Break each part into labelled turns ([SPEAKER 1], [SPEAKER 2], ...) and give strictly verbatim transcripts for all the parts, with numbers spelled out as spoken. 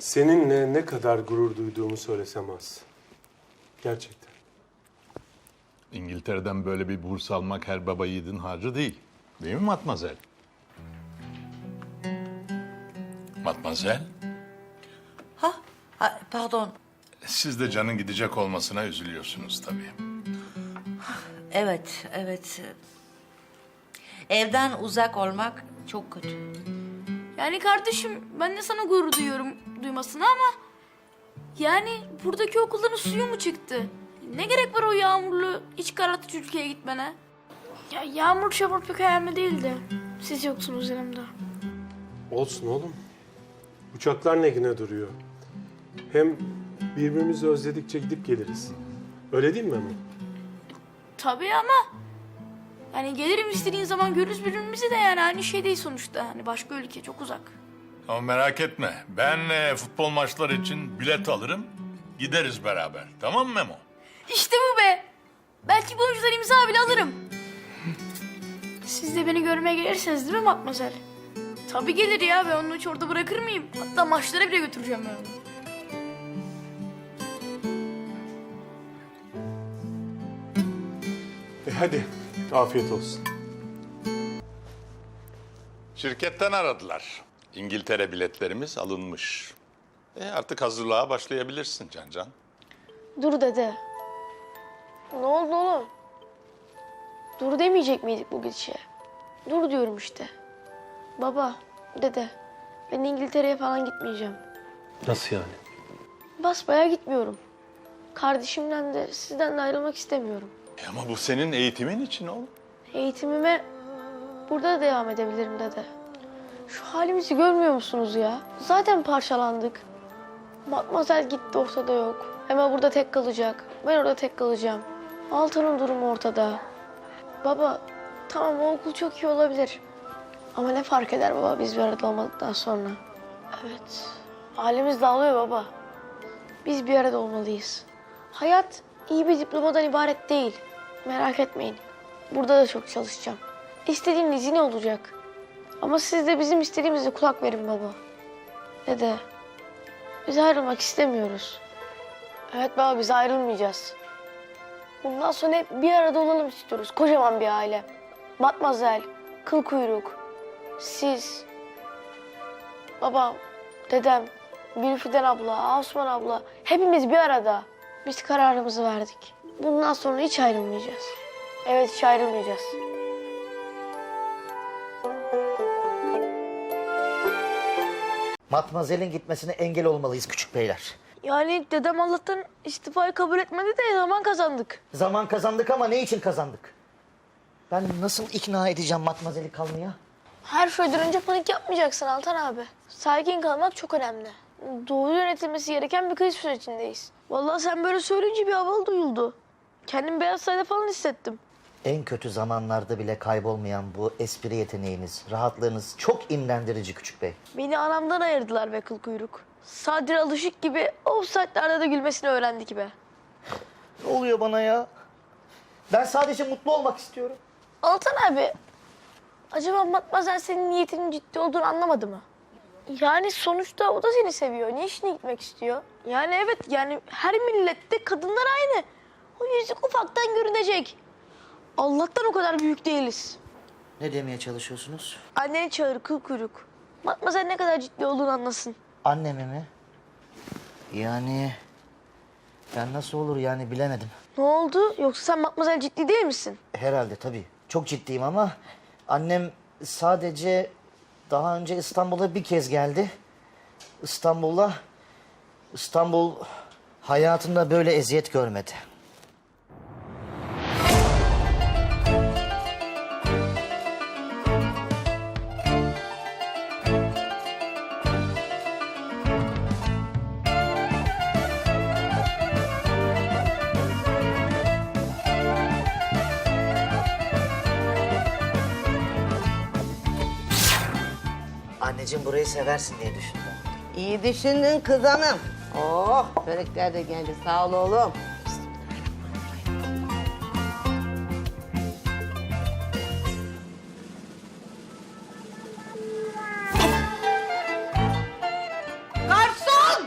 [SPEAKER 1] Seninle ne kadar gurur duyduğumu söylesem az. Gerçekten.
[SPEAKER 2] İngiltere'den böyle bir burs almak her baba yiğidin harcı değil. Değil mi Matmazel? Matmazel,
[SPEAKER 3] Ha, ha, pardon.
[SPEAKER 2] siz de Can'ın gidecek olmasına üzülüyorsunuz tabii.
[SPEAKER 3] Evet, evet. Evden uzak olmak çok kötü.
[SPEAKER 4] Yani kardeşim ben de sana gurur duyuyorum duymasına ama... Yani buradaki okulların suyu mu çıktı? Ne gerek var o yağmurlu, iç karartıcı ülkeye gitmene? Ya yağmur çamur pek hayalimde değildi. Siz yoksunuz yanımda.
[SPEAKER 1] Olsun oğlum. Uçaklar ne güne duruyor. Hem birbirimizi özledikçe gidip geliriz. Öyle değil mi Memo?
[SPEAKER 4] Tabii ama... Yani gelirim istediğin zaman görürüz birbirimizi de yani aynı şey değil sonuçta. Hani başka ülke çok uzak.
[SPEAKER 2] Ama merak etme, ben e, futbol maçları için bilet alırım, gideriz beraber. Tamam mı Memo?
[SPEAKER 4] İşte bu be! Belki bu önceden imza bile alırım. Siz de beni görmeye gelirsiniz değil mi Matmazel? Tabii gelir ya, ben onu hiç orada bırakır mıyım? Hatta maçlara bile götüreceğim ben onu.
[SPEAKER 1] E hadi, afiyet olsun.
[SPEAKER 2] Şirketten aradılar. İngiltere biletlerimiz alınmış. E artık hazırlığa başlayabilirsin Cancan.
[SPEAKER 5] Dur dede. Ne oldu oğlum? Dur demeyecek miydik bu gidişe? Dur diyorum işte. Baba, dede. Ben İngiltere'ye falan gitmeyeceğim.
[SPEAKER 1] Nasıl yani?
[SPEAKER 5] Basbayağı gitmiyorum. Kardeşimden de sizden de ayrılmak istemiyorum.
[SPEAKER 2] E ama bu senin eğitimin için oğlum.
[SPEAKER 5] Eğitimime burada da devam edebilirim dede. Şu halimizi görmüyor musunuz ya? Zaten parçalandık. Matmazel gitti, ortada yok. Hemen burada tek kalacak. Ben orada tek kalacağım. Altan'ın durumu ortada. Baba, tamam o okul çok iyi olabilir. Ama ne fark eder baba biz bir arada olmadıktan sonra? Evet, halimiz dağılıyor baba. Biz bir arada olmalıyız. Hayat iyi bir diplomadan ibaret değil. Merak etmeyin. Burada da çok çalışacağım. İstediğiniz yine olacak. Ama siz de bizim istediğimize kulak verin baba. Dede, biz ayrılmak istemiyoruz. Evet baba, biz ayrılmayacağız. Bundan sonra hep bir arada olalım istiyoruz. Kocaman bir aile. Matmazel, kıl kuyruk, siz, babam, dedem, Gülfiden abla, Osman abla. Hepimiz bir arada. Biz kararımızı verdik. Bundan sonra hiç ayrılmayacağız. Evet, hiç ayrılmayacağız.
[SPEAKER 6] Matmazel'in gitmesine engel olmalıyız küçük beyler.
[SPEAKER 5] Yani dedem Allah'tan istifayı kabul etmedi de zaman kazandık.
[SPEAKER 6] Zaman kazandık ama ne için kazandık? Ben nasıl ikna edeceğim Matmazel'i kalmaya?
[SPEAKER 5] Her şeyden önce panik yapmayacaksın Altan abi. Sakin kalmak çok önemli. Doğru yönetilmesi gereken bir kriz sürecindeyiz. Vallahi sen böyle söyleyince bir havalı duyuldu. Kendimi Beyaz Saray'da falan hissettim.
[SPEAKER 6] En kötü zamanlarda bile kaybolmayan bu espri yeteneğiniz, rahatlığınız çok imrendirici küçük bey.
[SPEAKER 5] Beni anamdan ayırdılar be kıl kuyruk. Sadri Alışık gibi o saatlerde de gülmesini öğrendik be.
[SPEAKER 6] Ne oluyor bana ya? Ben sadece mutlu olmak istiyorum.
[SPEAKER 5] Altan abi, acaba Matmazel senin niyetinin ciddi olduğunu anlamadı mı? Yani sonuçta o da seni seviyor. Niye işine gitmek istiyor? Yani evet, yani her millette kadınlar aynı. O yüzük ufaktan görünecek. Allah'tan o kadar büyük değiliz.
[SPEAKER 6] Ne demeye çalışıyorsunuz?
[SPEAKER 5] Anneni çağır kıl kuyruk. Matmazel ne kadar ciddi olduğunu anlasın.
[SPEAKER 6] Annemi mi? Yani... Ben nasıl olur yani bilemedim.
[SPEAKER 5] Ne oldu? Yoksa sen Matmazel ciddi değil misin?
[SPEAKER 6] Herhalde tabii. Çok ciddiyim ama annem sadece daha önce İstanbul'a bir kez geldi. İstanbul'a İstanbul hayatında böyle eziyet görmedi. Anneciğim burayı seversin diye düşündüm.
[SPEAKER 7] İyi düşündün kız hanım. Oh, börekler de geldi. Sağ ol oğlum. Garson!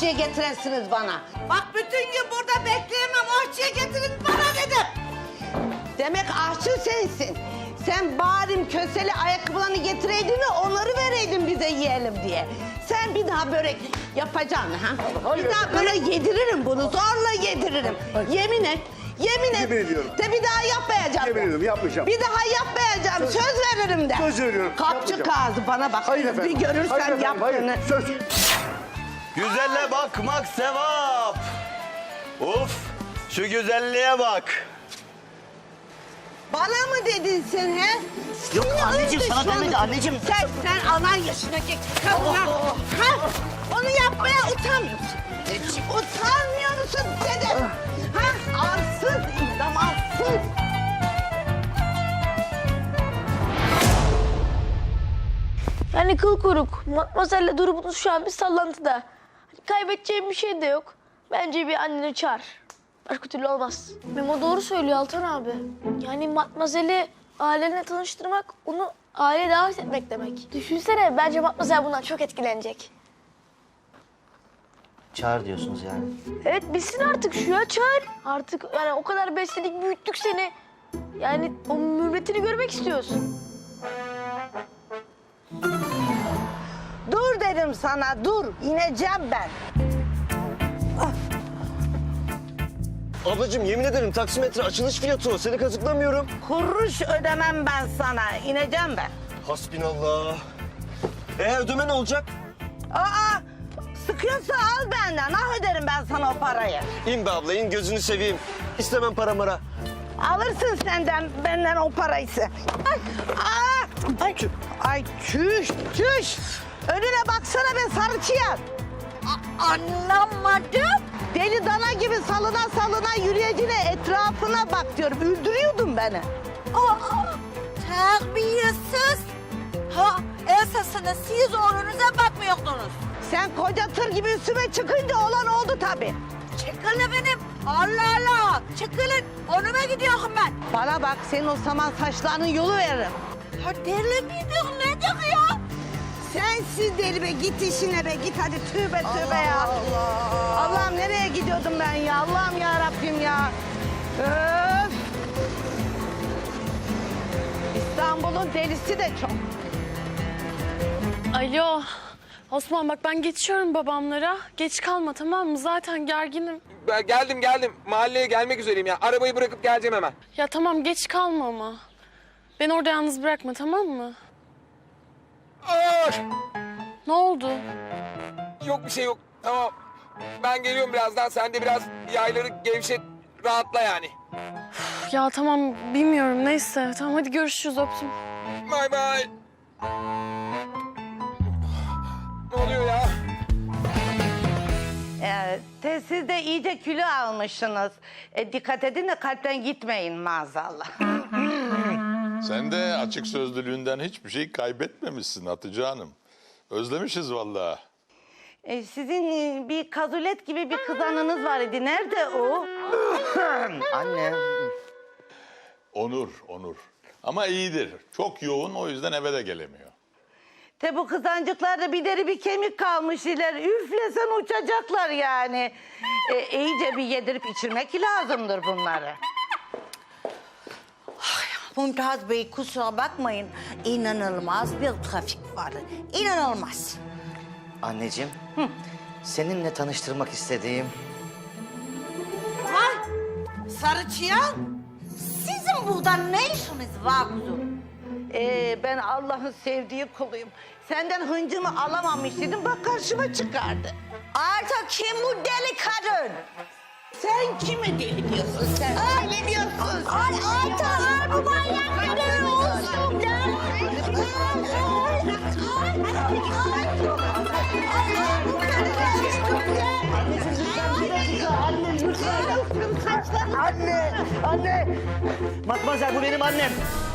[SPEAKER 7] aşçıya getiresiniz bana. Bak bütün gün burada bekleyemem, aşçıya getirin bana dedim. Demek aşçı sensin. Sen bari köseli ayakkabılarını getireydin de onları vereydin bize yiyelim diye. Sen bir daha börek yapacaksın ha?
[SPEAKER 8] Hayır.
[SPEAKER 7] Bir daha böyle yediririm bunu, zorla yediririm. Yemin et, yemin et.
[SPEAKER 8] Yemin ediyorum.
[SPEAKER 7] De bir daha yapmayacağım.
[SPEAKER 8] Yemin ediyorum, yapmayacağım.
[SPEAKER 7] Bir daha yapmayacağım, söz, veririm de.
[SPEAKER 8] Söz veriyorum,
[SPEAKER 7] Kapçı
[SPEAKER 8] yapmayacağım.
[SPEAKER 7] kağıdı bana bak.
[SPEAKER 8] Hayır efendim.
[SPEAKER 7] Bir görürsen
[SPEAKER 8] Hayır efendim, hayır.
[SPEAKER 7] yaptığını.
[SPEAKER 8] Söz.
[SPEAKER 9] Güzelle bakmak sevap. Uf, şu güzelliğe bak.
[SPEAKER 7] Bana mı dedin sen he?
[SPEAKER 6] Yok
[SPEAKER 7] Sinir
[SPEAKER 6] anneciğim, sana
[SPEAKER 7] düşmanı.
[SPEAKER 6] demedi anneciğim.
[SPEAKER 7] Sen, sen anan yaşındaki kadına, ha? Onu yapmaya utanmıyorsun. Utanmıyor musun dedim. Ha? Arsız, idam arsız.
[SPEAKER 5] Yani kıl kuyruk. Matmazel'le durumunuz şu an bir sallantıda. Hani kaybedeceğim bir şey de yok. Bence bir anneni çağır. Başka türlü olmaz. Memo doğru söylüyor Altan abi. Yani Matmazel'i ailenle tanıştırmak, onu aileye davet etmek demek. Düşünsene, bence Matmazel bundan çok etkilenecek.
[SPEAKER 6] Çağır diyorsunuz yani.
[SPEAKER 5] Evet, bilsin artık şu ya, çağır. Artık yani o kadar besledik, büyüttük seni. Yani o mürvetini görmek istiyoruz.
[SPEAKER 7] Dur dedim sana, dur. İneceğim ben.
[SPEAKER 9] Ablacığım yemin ederim taksimetre açılış fiyatı o. Seni kazıklamıyorum.
[SPEAKER 7] Kuruş ödemem ben sana. İneceğim ben.
[SPEAKER 9] Hasbinallah. E ödeme ne olacak?
[SPEAKER 7] Aa, sıkıyorsa al benden. Ah öderim ben sana o parayı.
[SPEAKER 9] İn be abla in gözünü seveyim. İstemem para mara.
[SPEAKER 7] Alırsın senden, benden o parayı. Ay, aa, ay, ay çüş, çüş. Önüne baksana be sarı çıyan.
[SPEAKER 3] Anlamadım.
[SPEAKER 7] Deli dana gibi salına salına yürüyecine etrafına bak diyorum. Üldürüyordun beni.
[SPEAKER 3] Aa, terbiyesiz. Ha, esasında siz oğlunuza bakmıyordunuz.
[SPEAKER 7] Sen koca tır gibi üstüme çıkınca olan oldu tabii.
[SPEAKER 3] Çıkın efendim. Allah Allah. Çıkılın. Onuma gidiyorum ben.
[SPEAKER 7] Bana bak, senin o saman saçlarının yolu veririm.
[SPEAKER 3] Ha, deli midir nedir ya?
[SPEAKER 7] Sensiz deli be, git işine be, git hadi tövbe tövbe ya. Allah. Allah'ım nereye gidiyordum ben ya, Allah'ım ya Rabbim ya. Öf. İstanbul'un delisi de çok.
[SPEAKER 10] Alo. Osman bak ben geçiyorum babamlara. Geç kalma tamam mı? Zaten gerginim.
[SPEAKER 11] Ben geldim geldim. Mahalleye gelmek üzereyim ya. Arabayı bırakıp geleceğim hemen.
[SPEAKER 10] Ya tamam geç kalma ama. Beni orada yalnız bırakma tamam mı?
[SPEAKER 11] Aa,
[SPEAKER 10] Ne oldu?
[SPEAKER 11] yok bir şey yok. Tamam. Ben geliyorum birazdan. Sen de biraz yayları gevşet, rahatla yani.
[SPEAKER 10] Üf, ya tamam bilmiyorum neyse. Tamam hadi görüşürüz öptüm.
[SPEAKER 11] Bay bay. Ne oluyor ya?
[SPEAKER 7] Ee, te- siz de iyice kilo almışsınız. E, dikkat edin de kalpten gitmeyin maazallah.
[SPEAKER 2] Sen de açık sözlülüğünden hiçbir şey kaybetmemişsin Hatice Hanım. Özlemişiz vallahi.
[SPEAKER 7] E, sizin e, bir kazulet gibi bir kızanınız var idi. Nerede o?
[SPEAKER 6] Anne.
[SPEAKER 2] Onur, Onur. Ama iyidir. Çok yoğun o yüzden eve de gelemiyor.
[SPEAKER 7] Te bu kızancıklarda bir deri bir kemik kalmış iler. Üflesen uçacaklar yani. E, iyice bir yedirip içirmek lazımdır bunları.
[SPEAKER 3] Mümtaz Bey kusura bakmayın. İnanılmaz bir trafik var. İnanılmaz.
[SPEAKER 6] Anneciğim. Seninle tanıştırmak istediğim
[SPEAKER 3] Ha? Sarıçıyan, sizin burada ne işiniz var kuzum?
[SPEAKER 7] Ee, ben Allah'ın sevdiği kuluyum. Senden hıncımı alamamış dedim, bak karşıma çıkardı.
[SPEAKER 3] Artık kim bu deli kadın?
[SPEAKER 7] Sen kimi deli diyorsun sen?
[SPEAKER 3] Ay,
[SPEAKER 7] Ne diyorsun?
[SPEAKER 3] Ay Ayta, bu manyak kadın olsun lan.
[SPEAKER 6] Anne, anne. Matmazel bu benim annem.